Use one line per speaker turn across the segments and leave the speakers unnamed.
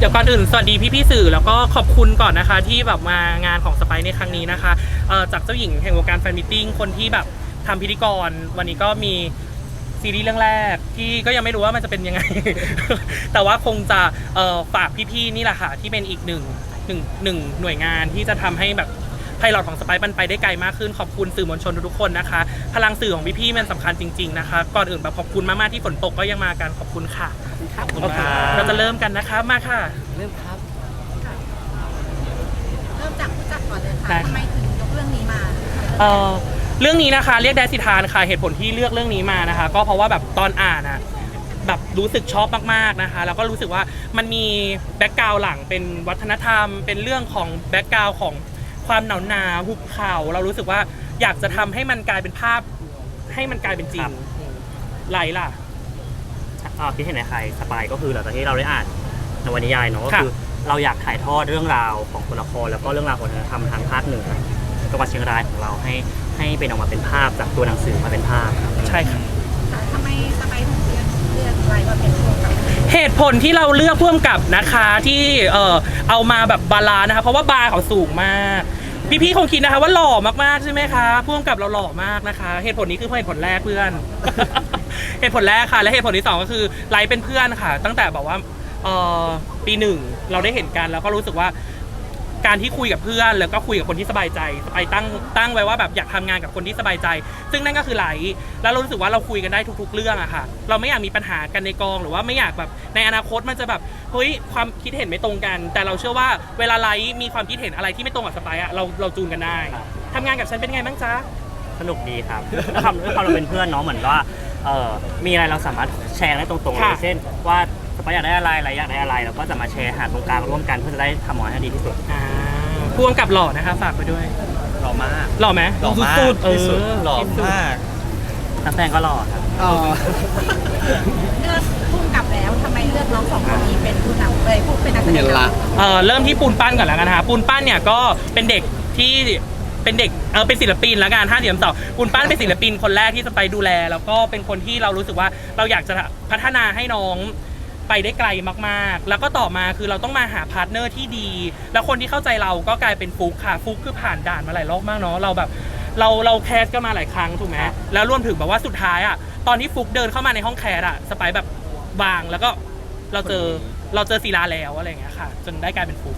ยวก่อนอื่นสวัสดีพี่ๆสื่อแล้วก็ขอบคุณก่อนนะคะที่แบบมางานของสไปในครั้งนี้นะคะจากเจ้าหญิงแห่งวงการแฟนมิทติ้งคนที่แบบทำพิธีกรวันนี้ก็มีซีรีส์เรื่องแรกที่ก็ยังไม่รู้ว่ามันจะเป็นยังไง แต่ว่าคงจะฝากพี่ๆนี่แหละค่ะที่เป็นอีกหนึ่งหน่วยงานที่จะทำให้แบบไพลอตของสไปมันไปได้ไกลมากขึ้นขอบคุณสื่อมวลชนทุกคนนะคะพลังสื่อของพี่ๆมันสำคัญจริงๆนะคะก่อนอื่นแบบขอบคุณมากๆที่ฝนตกก็ยังมากันขอบคุณค่ะโอเคเราจะเริ่มกันนะคะมาค่ะ
เริ่มครับ
เริ่มจากผู้จัดก่อนเลยค่ะทำไมถึงยกเรื่องนี้มา
เรื่องนี้นะคะเรียกแดสิทานค่ะเหตุผลที่เลือกเรื่องนี้มานะคะก็เพราะว่าแบบตอนอ่านอ่ะแบบรู้สึกชอบมากๆนะคะแล้วก็รู้สึกว่ามันมีแบ็กกราวด์หลังเป็นวัฒนธรรมเป็นเรื่องของแบ็กกราวด์ของความหนาวหุบเขาเรารู้สึกว่าอยากจะทำให้มันกลายเป็นภาพให้มันกลายเป็นจริงไหลล่ะ
คิดเห็นในใครสปายก็คือหลังจากที่เราได้อ่านนวนิยายเนาะก็คือเราอยากถ่ายทอดเรื่องราวของตัวละครแล้วก็เรื่องราวของวัฒนธรรมทางภาคเหนือจังหวัดเชียงรายของเราให้เป็นออกมาเป็นภาพจากตัวหนังสือมาเป็นภาพ
ใช่ค่ะ
ทำไมสไปถึงเลือกอะไรมาเป็นผู้กำกับ
เหตุผลที่เราเลือกผู้กำกับนะคะที่เอามาแบบบาลานซ์นะคะเพราะว่าบาร์เขาสูงมากพี่ๆคงคิดนะคะว่าหล่อมากๆใช่ไหมคะผู้กำกับเราหล่อมากนะคะเหตุผลนี้คือเหตุผลแรกเพื่อน เหตุผลแรกค่ะและเหตุผลที่2ก็คือไลฟ์เป็นเพื่อนค่ะตั้งแต่แบบว่าปี1เราได้เห็นกันแล้วก็รู้สึกว่าการที่คุยกับเพื่อนแล้วก็คุยกับคนที่สบายใจไปตั้งไว้ว่าแบบอยากทำงานกับคนที่สบายใจซึ่งนั่นก็คือไลฟ์แล้วเรารู้สึกว่าเราคุยกันได้ทุกๆเรื่องอะค่ะเราไม่อยากมีปัญหากันในกองหรือว่าไม่อยากแบบในอนาคตมันจะแบบเฮ้ยความคิดเห็นไม่ตรงกันแต่เราเชื่อว่าเวลาไลฟ์มีความคิดเห็นอะไรที่ไม่ตรงกับสไปอะเราจูนกันได้ทำงานกับฉันเป็นไงบ้างจ๊ะ
สนุกดีครับด้วยความเราเป็นเพื่อนเนาะเหมือนว่ามีอะไรเราสามารถแชร์ได้ตรงๆเลยเช่นว่าสไปอยากได้อะไรอยากได้อะไรเราก็จะมาแชร์หาตรงกลางร่วมกันเพื่อจะได้ทำออกมาให้ดีที่สุด
พ่วงกับหล่อนะคะฝากไปด้วย
หล่อมาก
หล่อไหม
หล่อมากที่สุดหล่อมากนักแสดงก็หล่อครับ
เลือกผู้กำกับแล้วทำไมเลือกน้อง2คนนี้เป็นผู้นำเลยผู้เป็นนักแสดง
เริ่มที่ปูนปั้นก่อนแล้วกันนะคะปูนปั้นเนี่ยก็เป็นเด็กที่เป็นเด็กเป็นศิลปินละกัน5 เดือนต่อปูนปั้นเป็นศิลปินคนแรกที่จะไปดูแลแล้วก็เป็นคนที่เรารู้สึกว่าเราอยากจะพัฒนาให้น้องไปได้ไกลมากๆแล้วก็ต่อมาคือเราต้องมาหาพาร์ทเนอร์ที่ดีแล้วคนที่เข้าใจเราก็กลายเป็นฟุกค่ะฟุกคือผ่านด่านมาหลายรอบมากเนาะเราแบบเราแคสก็มาหลายครั้งถูกไหมแล้วรวมถึงแบบว่าสุดท้ายอ่ะตอนที่ฟุกเดินเข้ามาในห้องแคสอ่ะสไปแบบวางแล้วก็เราเจอศิลาแล้วอะไรอย่างเงี้ยค่ะจนได้กลายเป็นฟุก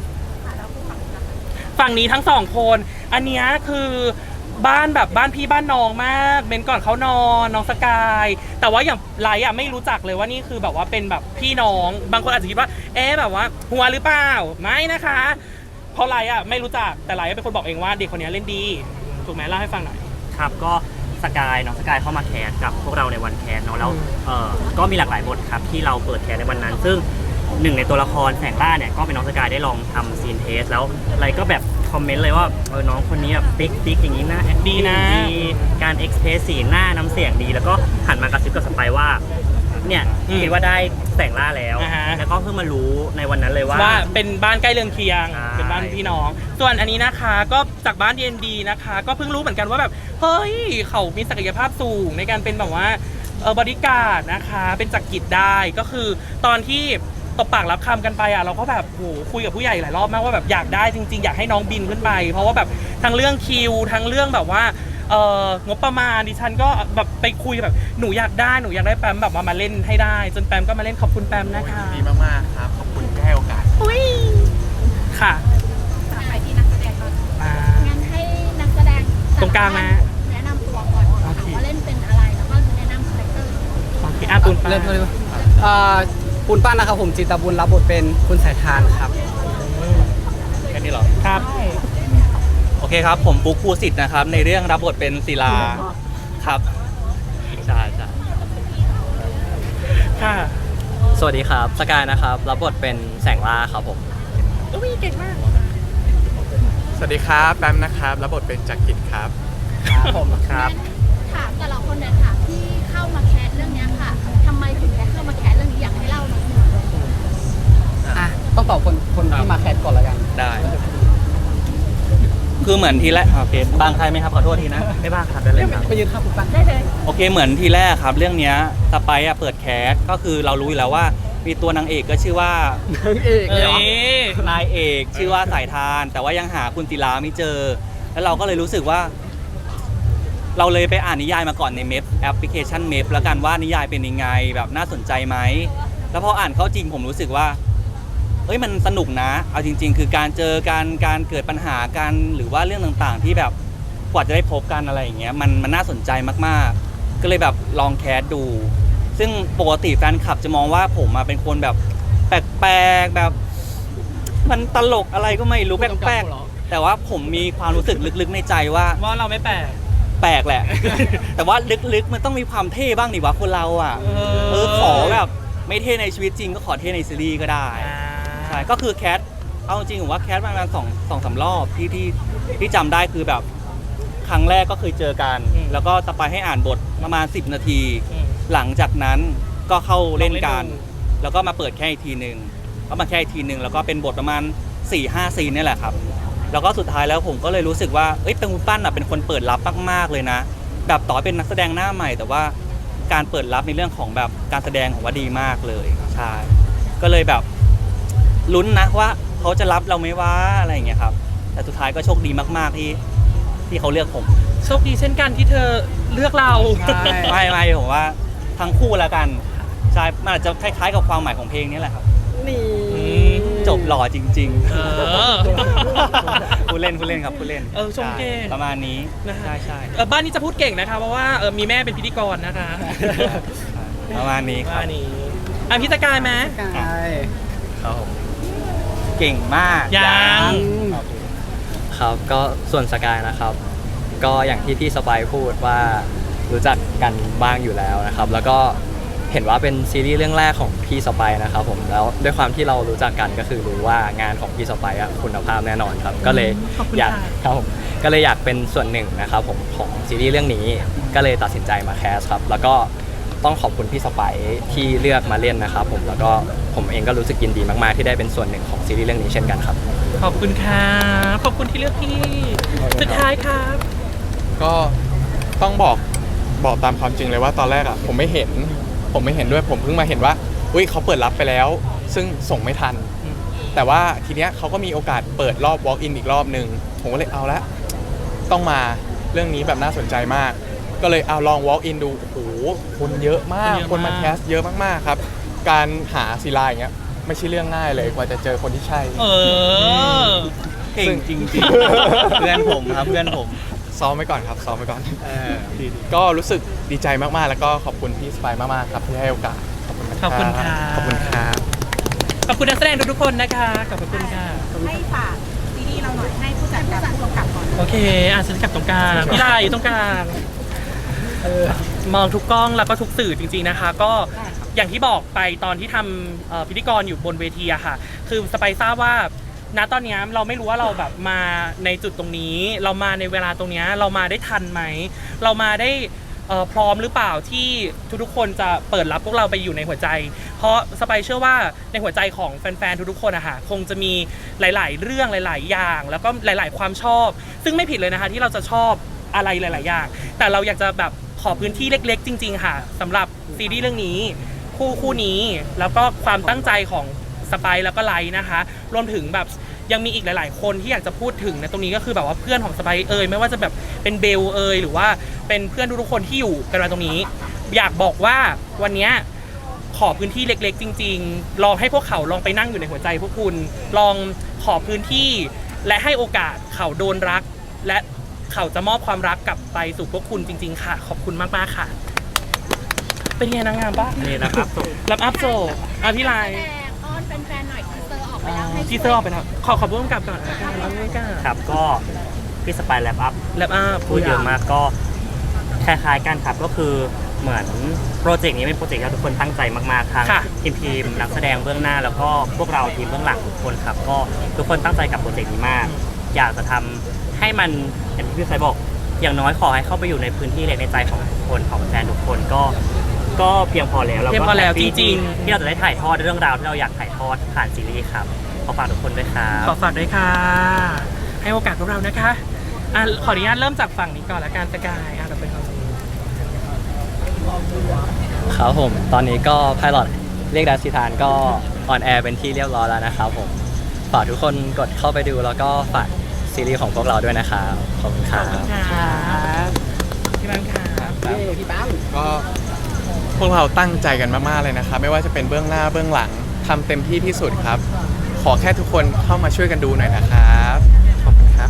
ฝั่งนี้ทั้ง2คนอันนี้คือบ้านแบบบ้านพี่บ้านน้องมากเบนก่อนเขานอนน้องสกายแต่ว่าอย่างไลท์ไม่รู้จักเลยว่านี่คือแบบว่าเป็นแบบพี่น้องบางคนอาจจะคิดว่าแบบว่าหัวหรือเปล่าไม่นะคะเพราะไลท์ไม่รู้จักแต่ไลท์เป็นคนบอกเองว่าเด็กคนนี้เล่นดีถูกไหมเล่าให้ฟังหน่อย
ครับก็สกายน้องสกายเข้ามาแคสกับพวกเราในวันแคสเนาะแล้วก็มีหลากหลายบทครับที่เราเปิดแคสในวันนั้นซึ่งหนึ่งในตัวละครแสงล่าเนี่ยก็เป็นน้องสกายได้ลองทำซีนเทสแล้วอะไรก็แบบคอมเมนต์เลยว่าน้องคนนี้แบบติ๊กอย่างนี้นะ
ดีนะ
การเอ็กซ์เพรสสีหน้าน้ำเสียงดีแล้วก็หันมากระซิบกับสไปว่าเนี่ยคิดว่าได้แสงล่าแล้วแล้วก็เพิ่งมารู้ในวันนั้นเลยว่า
เป็นบ้านใกล้เรือนเคียงเป็นบ้านพี่น้องส่วนอันนี้นะคะก็จากบ้าน D&D นะคะก็เพิ่งรู้เหมือนกันว่าแบบเฮ้ยเขามีศักยภาพสูงในการเป็นแบบว่าบริการนะคะเป็นจักรกิจได้ก็คือตอนที่ตบปากรับคำกันไปเราก็แบบโหคุยกับผู้ใหญ่หลายรอบมากว่าแบบอยากได้จริงๆอยากให้น้องบินขึ้นไปเพราะว่าแบบทั้งเรื่องคิวทั้งเรื่องแบบว่างบประมาณดิฉันก็แบบไปคุยแบบหนูอยากได้แปมแบบมาเล่นให้ได้จนแปมก็มาเล่นขอบคุณแปมนะคะ
ดีมากๆครับขอบคุณที่ให้โอกาส
ค่ะ
ไปที่นักแสดงก่อนงั้นให้นักแสดง
ตรงกลางนะ
แนะนำตัวก่อนว่าเล่นเป็นอะไรแล้วก็แนะนำคาแรคเตอร์
โอเคปูนปั้น
เริ่มเลยปูนปั้นนะครับผมจิตบุญรับบทเป็นคุณสายทานครับ
แค่นี้หรอ
ครับ
โอเคครับผมปุ๊กภูสิทธิ์นะครับในเรื่องรับบทเป็นศิลาครับใช่
ค่ะ
สวัสดีครับสกายนะครับรับบทเป็นแสงล่าครับผม
เก่งมาก
สวัสดีครับแปมนะครับรับบทเป็นจักรกิจครับ
ผมครับ
ถามแต่ละคนเนี่ยค่ะที่เข้ามาแคสเรื่องนี้ค่ะทำไมถึงได้เข้ามาแคสเรื่องนี้อยากให้เล่าหน่อย
ต้องตอบคนที่มาแคสก่อนแล้วกัน
ได้คือเหมือนทีแรกโอเคบางใครไหมครับขอโทษทีนะไม่บ้างครับได้เลยครับ
ไปยืนข้างคุณปั้น
ได้เลย
โอเคเหมือนทีแรกครับเรื่องนี้สไปเปิดแคสก็คือเรารู้อยู่แล้วว่า
มีตัวนางเอกก็ชื่อว่าน
างเอกเลยเหรอ
นายเอกชื่อว่าสายทาน แต่ว่ายังหาคุณศิลาไม่เจอ แล้วเราก็เลยรู้สึกว่า เราเลยไปอ่านนิยายมาก่อนในเมพแอปพลิเคชันเมพแล้วกันว่านิยายเป็นยังไงแบบน่าสนใจไหมแล้วพออ่านเข้าจริงผมรู้สึกว่าเอ้ยมันสนุกนะเอาจริง ๆ คือการเจอการเกิดปัญหากันหรือว่าเรื่องต่างๆ ที่แบบกว่าจะได้พบกันอะไรอย่างเงี้ยมันน่าสนใจมากๆ ก็เลยแบบลองแคสดู ซึ่งปกติแฟนคลับจะมองว่าผมมาเป็นคนแบบแปลกๆแบบมันตลกอะไรก็ไม่รู้แปลกๆแต่ว่าผมมีความรู้สึกลึกๆในใจว่า
ว่าเราไม่แปลก
แปลกแหละ แต่ว่าลึกๆมันต้องมีความเท่บ้างนี่วะคนเราอ่ะขอแบบไม่เท่ในชีวิตจริงก็ขอเท่ในซีรีส์ก็ได้ใช่ก็คือแคสเอาจริงผมว่าแคสประมาณสองสามรอบที่จำได้คือแบบครั้งแรกก็เคยเจอกัน แล้วก็ต่อไปให้อ่านบทประมาณ10 นาที หลังจากนั้นก็เข้าเล่นกันแล้วก็มาเปิดแค่อีกทีหนึ่งก็มาแค่อีกทีหนึ่งแล้วก็เป็นบทประมาณ 4-5 ซีนนี่แหละครับแล้วก็สุดท้ายแล้วผมก็เลยรู้สึกว่าเอ้ยเป็นคุณปั้นเป็นคนเปิดรับมากๆเลยนะแบบต่อเป็นนักแสดงหน้าใหม่แต่ว่าการเปิดรับในเรื่องของแบบการแสดงของว่าดีมากเลยใช่ก็เลยแบบลุ้นนะว่าเขาจะรับเราไหมว่าอะไรอย่างเงี้ยครับแต่สุดท้ายก็โชคดีมากๆที่เขาเลือกผม
โชคดีเช่นกันที่เธอเลือกเรา
ไม่ผมว่าทั้งคู่แล้วกันใช่มันอาจจะคล้ายๆกับความหมายของเพลงนี้แหละครับ
นี่
จบหล่อจริง
เออ
ๆผู้เล่นครับผู้เล่น
ชมเก่ง
ใช่ประมาณนี้
นะฮะ
ใช่
บ้านนี้จะพูดเก่งนะคะเพราะว่ามีแม่เป็นพิธีกรนะคะ
ประมาณนี้ครับ
บ้านนี้พี่สกายไหม
กาย
ครับผม
เก่งมาก
ยัง
ครับก็ส่วนสกายนะครับ ก็อย่างที่พี่สไปร์พูดว่ารู้จักกันบ้างอยู่แล้วนะครับ แล้วก็เห็นว่าเป็นซีรีส์เรื่องแรกของพี่สไปร์นะครับผมแล้วด้วยความที่เรารู้จักกันก็คือรู้ว่างานของพี่สไปร์คุณภาพแน่นอนครับก็เลย
ขอบคุณ
อยาก
ค่ะ
ครับผมก็เลยอยากเป็นส่วนหนึ่งนะครับผมของซีรีส์เรื่องนี้ก็เลยตัดสินใจมาแคสครับแล้วก็ต้องขอบคุณพี่สไปร์ที่เลือกมาเล่นนะครับผมแล้วก็ผมเองก็รู้สึกยินดีมากๆที่ได้เป็นส่วนหนึ่งของซีรีส์เรื่องนี้เช่นกันครับ
ขอบคุณค่ะขอบคุณที่เลือกพี่สุดท้ายครับ
ก็ต้องบอกตามความจริงเลยว่าตอนแรกอ่ะผมไม่เห็นด้วยผมเพิ่งมาเห็นว่าอุ้ยเขาเปิดรับไปแล้ว ซึ่งส่งไม่ทัน แต่ว่าทีเนี้ยเขาก็มีโอกาสเปิดรอบ walk in อีกรอบหนึ่งผมก็เลยเอาละต้องมาเรื่องนี้แบบน่าสนใจมาก ก็เลยเอาลอง walk in ดูโอ้โหคนเยอะมากคนมาแคสเยอะมากๆครับการหาศิลาอย่างเงี้ยไม่ใช่เรื่องง่ายเลยกว่าจะเจอคนที่ใช่
เก่งจริงๆ เพื่อนผมครับเพื่อนผม
ซ้อมไว้ก่อนครับซ้อมไว้ก่อนก็รู้สึกดีใจมากๆ แล้วก็ขอบคุณพี่สไปร์มากๆครับที่ให้โอกาสขอบคุณนะ
ขอบคุณค่ะ
ขอบคุณครับ
ขอบคุณนักแสดงทุกๆคนนะคะขอบคุณค่ะ
ให้ฝากซีรีส์เราหน่อยให้ผู้จัดกับผู้กำกับก่อน
โอเคฉันกลับตรงกลางพี่ไดอยู่ตรงกลางมองทุกกล้องแล้วก็ทุกสื่อจริงๆนะคะ ก็อย่างที่บอกไปตอนที่ทำพิธีกรอยู่บนเวทีอะค่ะ คือสไปซ์ทราบว่าณตอนนี้เราไม่รู้ว่าเราแบบมาในจุดตรงนี้ เรามาในเวลาตรงนี้เรามาได้ทันไหมเรามาได้พร้อมหรือเปล่าที่ทุกๆคนจะเปิดรับพวกเราไปอยู่ในหัวใจ เพราะสไปซ์เชื่อว่าในหัวใจของแฟนๆทุกๆคนอะค่ะคงจะมีหลายๆเรื่องหลาย ๆ อย่าง แล้วก็หลาย ๆ ความชอบ ซึ่งไม่ผิดเลยนะคะที่เราจะชอบอะไรหลาย ๆ อย่าง แต่เราอยากจะแบบขอพื้นที่เล็ก ๆ จริง ๆ ค่ะสำหรับซีรีส์เรื่องนี้คู่นี้แล้วก็ความตั้งใจของสไปซ์แล้วก็ไลท์นะคะรวมถึงแบบยังมีอีกหลาย ๆ คนที่อยากจะพูดถึงในตรงนี้ก็คือแบบว่าเพื่อนของสไปซ์ไม่ว่าจะแบบเป็นเบลหรือว่าเป็นเพื่อนทุกๆคนที่อยู่กันมาตรงนี้ อยากบอกว่าวันนี้ขอพื้นที่เล็ก ๆ จริง ๆ ลองให้พวกเขาลองไปนั่งอยู่ในหัวใจพวกคุณลองขอพื้นที่และให้โอกาสเขาโดนรักและเขาจะมอบความรักกลับไปสู่พวกคุณจริง ๆ ค่ะ ขอบคุณมากๆค่ะ เป็นไงนางงามปะ
นี่นะครับส่ง
รับอัพโซพี่ไลน์
อ้อนแฟนๆหน่อยทีเซอร์ออกไปแล้วให้
ทีเซอร์ออกไปแล้วขอผู้กำกับก่อนละกันไม่กล้า
ครับก็พี่สไปร์แลปอัพ
รับอัพ
พูดเยอะมากก็คล้ายๆกันครับก็คือเหมือนโปรเจกต์นี้เป็นโปรเจกต์ที่ทุกคนตั้งใจมากๆทั้งทีมนักแสดงเบื้องหน้าแล้วก็พวกเราทีมเบื้องหลังทุกคนครับก็ทุกคนตั้งใจกับโปรเจกต์นี้มาก อยากจะทำให้มันอย่างที่พี่สายบอกอย่างน้อยขอให้เข้าไปอยู่ในพื้นที่เล็กในใจของทุกคนของแฟนทุกคนก็เพียงพอแล้วเรา
เพียง
ก็
พอแล้ว
แฮปปี้
จริง
ที่เราจะได้ถ่ายทอดเรื่องราวที่เราอยากถ่ายทอดผ่านซีรีส์ครับขอฝากทุกคนด้วยครับ
ๆขอฝากด้วยค่ะ ให้โอกาสพวกเรานะคะขออนุญาตเริ่มจากฝั่งนี้ก่อนละกันสกายเราเป็นคน
ครับผมตอนนี้ก็ไพลอตเรียกดัสิทานก็ออนแอร์เป็นที่เรียบร้อยแล้วนะครับผมฝากทุกคนกดเข้าไปดูแล้วก็ฝากซีรีส์ของพวกเราด้วยนะครับขอบคุณครับ
ครับพี่บังครับ
พี่ปั้ม
ก็พวกเราตั้งใจกันมากๆเลยนะครับ ไม่ว่าจะเป็นเบื้องหน้าเบื้องหลังทำเต็มที่ที่สุดครับ ขอแค่ทุกคนเข้ามาช่วยกันดูหน่อยนะครับขอบคุณครับ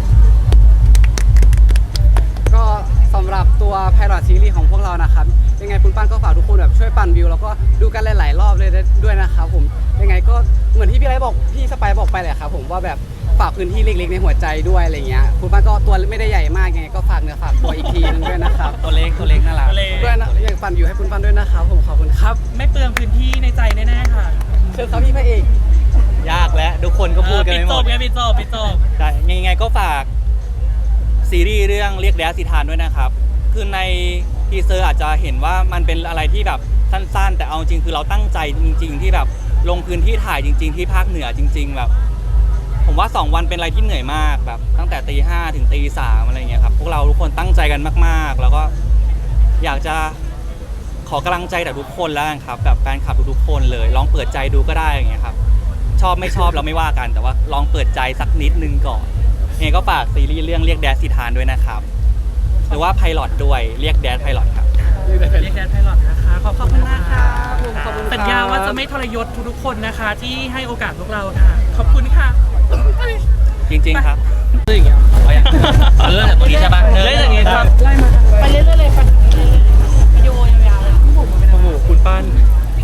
ก็สำหรับตัวไพลอตซีรีส์ของพวกเรานะครับยังไงคุณปั้นก็ฝากทุกคนแบบช่วยปั่นวิวแล้วก็ดูกันหลายๆรอบเลยด้วยนะครับผมยังไงก็เหมือนที่พี่ไรบอกพี่สไปบอกไปแหละครับผมว่าแบบฝากพื้นที่เล็กๆในหัวใจด้วยอะไรเงี้ยคุณปั้นก็ตัวไม่ได้ใหญ่มากยังไงก็ฝากเนื้อฝากตัวอีกทีนึงด้วยนะครับ
ตัวเล็กน่ารัก
ด้วยนะอยากปั่นวิวให้คุณปั้นด้วยนะครับผมขอบคุณครับ
ไม่เปลืองพื้นที่ในใจแน่ๆค่ะ
เชิญครับพี่พระเอก
ยากแล้วทุกคนก็พูดกัน
ปิ
ไม่
ด
ห
จ
ม
บ
ด
ไงปิดจบ
ใช่ยังไงก็ฝากซีรีส์เรื่องเรียกแดดสิทานด้วยนะครับ คือในทีเซอร์อาจจะเห็นว่ามันเป็นอะไรที่แบบสั้นๆ แต่เอาจริงคือเราตั้งใจจริง ๆ ที่แบบลงพื้นที่ถ่ายจริง ๆ ที่ภาคเหนือจริง ๆ แบบ ผมว่า 2 วันเป็นอะไรที่เหนื่อยมากแบบตั้งแต่ตี 5 ถึงตี 3อะไรเงี้ยครับพวกเราทุกคนตั้งใจกันมากๆ แล้วก็อยากจะขอกำลังใจจากทุกคนแล้วกันครับแบบแฟนคลับทุกๆคนเลยลองเปิดใจดูก็ได้อย่างเงี้ยครับชอบไม่ชอบเราไม่ว่ากัน แต่ว่าลองเปิดใจสักนิดนึงก่อนยังไงก็ฝากซีรีส์เรื่องเรียกแดดสิทานด้วยนะครับหรือว่าไพลอตด้วยเรียกแดดไพลอตครับ
เรียกแดนไพลอตนะคะขอบคุณมากค่ะ
ขอบคุณครับ
สัญญาว่าจะไม่ทรยศทุกๆคนนะคะ ที่ให้โอกาสพวกเราค่ะ ขอบคุณค่ะ
จริงๆครับ
ซึ่งอย่างเงี้ย
เรื่องจากตรงนี้ใช่ปะ
เล่นอย่างงี้ครับ
ไปเรื่อยๆเลยไปเรื่อยๆวิดีโอยาวๆเลย
โอ้โหคุณปั้น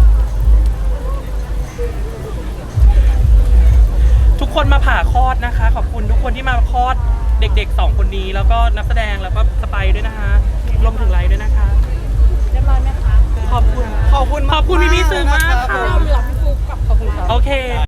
ทุกคนมาผ่าคลอดนะคะ ขอบคุณทุกคนที่มาคลอดเด็กๆ2 คนนี้แล้วก็นักแสดงแล้วก็สไปด้วยนะคะรวมถึงไลฟ์ด้วยนะคะ
เรียบร้อยไหมคะ
ขอบคุณ
ขอบคุณ
ขอบคุณพี่ๆสื่อมากค่ะ
เราเหลือพี่ฟุกกับ
ขอบคุณครับ
โอเค